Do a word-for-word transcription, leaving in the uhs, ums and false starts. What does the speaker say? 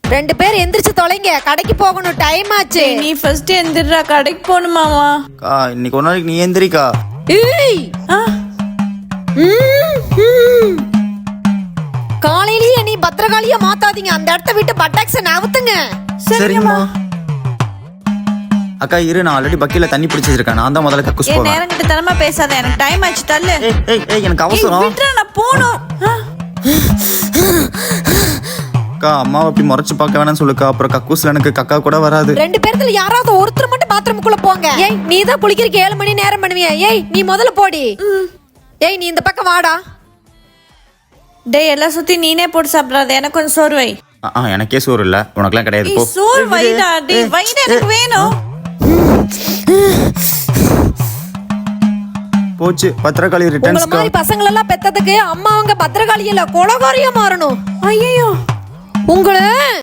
ரெண்டு பேர் எந்திரிச்சு தொலைங்க, கடைக்கு போகணும், டைம் ஆச்சு. நீ ஃபர்ஸ்ட் எந்திரா, கடைக்கு போகணுமாமா. அக்கா இன்னைக்கு ஒரு நாளைக்கு நீ எந்திரிக்கா. ஏய் ஆ ம், ம். காலையிலேயே நீ பத்திரகாளியா மாத்தாதீங்க, அந்த இடத்த விட்டு பட்டாக்ஸ நவுத்துங்க. சரிங்கம்மா. அக்கா இரு, நான் ஆல்ரெடி பக்கில தண்ணி பிடிச்சி வச்சிருக்கேன். நான் தான் முதல்ல கக்கூஸ் ஏன் போவேன். நேரம் கிட்ட தரமா பேசாத, எனக்கு டைம் ஆச்சு, தள்ளு. ஏய் ஏய் ஏய் எனக்கு ஏய், அவசரம். விட்றா, நான் போணும். ஆ. அக்கா அம்மாவை அப்படி முறைச்சு பார்க்க வேணாம்னு சொல்லுக்கா, அப்புறம் கக்கூஸ்ல எனக்கு கக்கா கூட வராது. ரெண்டு பேர்த்துல யாராவது ஒருத்தர் மட்டும் பாத்ரூமுக்குள்ள போங்க. ஏய் நீ தான் குளிக்கிறதுக்கு ஏழு மணி நேரம் பண்ணுவியா? ஏய் நீ முதல்ல போடி. ஏய் நீ இந்த பக்கம் வாடா. டேய், எல்லாம் சுத்தி நீனே போட்டு சாப்பிடாத, எனக்கு கொஞ்சம் சோறு வை. ஆ, ஆ, எனக்கே சோறு இல்ல, உனக்குலாம் கிடையாது. ஏய், போ. சோறு வைடா. டேய் வைடா, எனக்கு வேணும். போச்சு பத்திரகாளி உங்கள ரிட்டர்ன்ஸ். மாதிரி பசங்கள எல்லாம் பெத்ததுக்கு அம்மா அவங்க பத்திரகாளி இல்ல கொலகாரியா மாறணும். ஐயோ, உங்களை